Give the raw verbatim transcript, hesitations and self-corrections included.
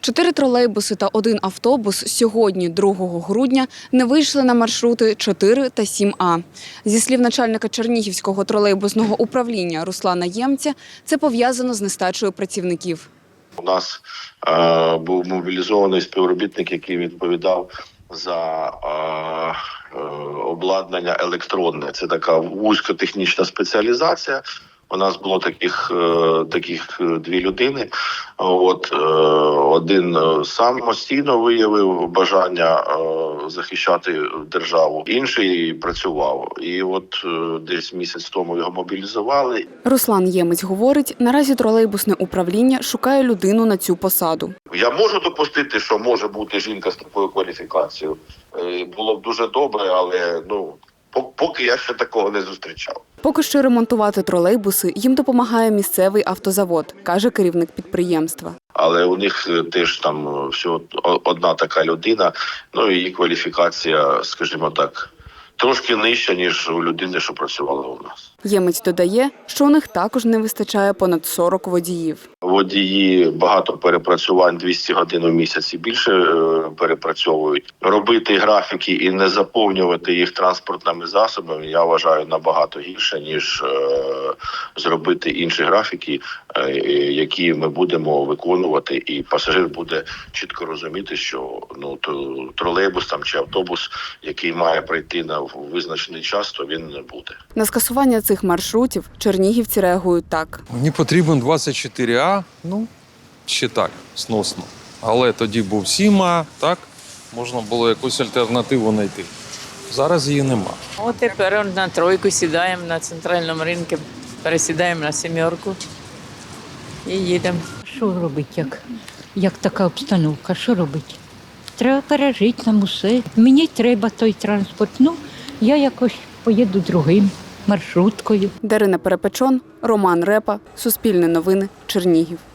Чотири тролейбуси та один автобус сьогодні, другого грудня, не вийшли на маршрути чотири та сім А. Зі слів начальника Чернігівського тролейбусного управління Руслана Ємця, це пов'язано з нестачею працівників. У нас е, був мобілізований співробітник, який відповідав за е, е, обладнання електронне. Це така вузькотехнічна спеціалізація. У нас було таких, е, таких дві людини. От, е, один самостійно виявив бажання е, захищати державу, інший працював. І от е, десь місяць тому його мобілізували. Руслан Ємець говорить, наразі тролейбусне управління шукає людину на цю посаду. Я можу допустити, що може бути жінка з такою кваліфікацією. Е, було б дуже добре, але ну поки я ще такого не зустрічав. Поки що ремонтувати тролейбуси їм допомагає місцевий автозавод, каже керівник підприємства. Але у них теж там всього одна така людина, ну і її кваліфікація, скажімо так, трошки нижча, ніж у людини, що працювала у нас. Ємець додає, що у них також не вистачає понад сорок водіїв. Водії багато перепрацювань, двісті годин у місяць і більше перепрацьовують. Робити графіки і не заповнювати їх транспортними засобами, я вважаю, набагато гірше, ніж е, зробити інші графіки, е, які ми будемо виконувати, і пасажир буде чітко розуміти, що ну, тролейбус там, чи автобус, який має прийти на визначений час, то він не буде. На скасування цих маршрутів чернігівці реагують так. Мені потрібен двадцять чотири А, ну, ще так, сносно. Але тоді був сім А, так, можна було якусь альтернативу знайти. Зараз її нема. От тепер на тройку сідаємо на центральному ринку, пересідаємо на сімерку і їдемо. Що робити, як, як така обстановка, що робити? Треба пережити нам усе. Мені треба той транспорт, ну, я якось поїду другим маршруткою. Дарина Перепечон, Роман Репа, Суспільне новини, Чернігів.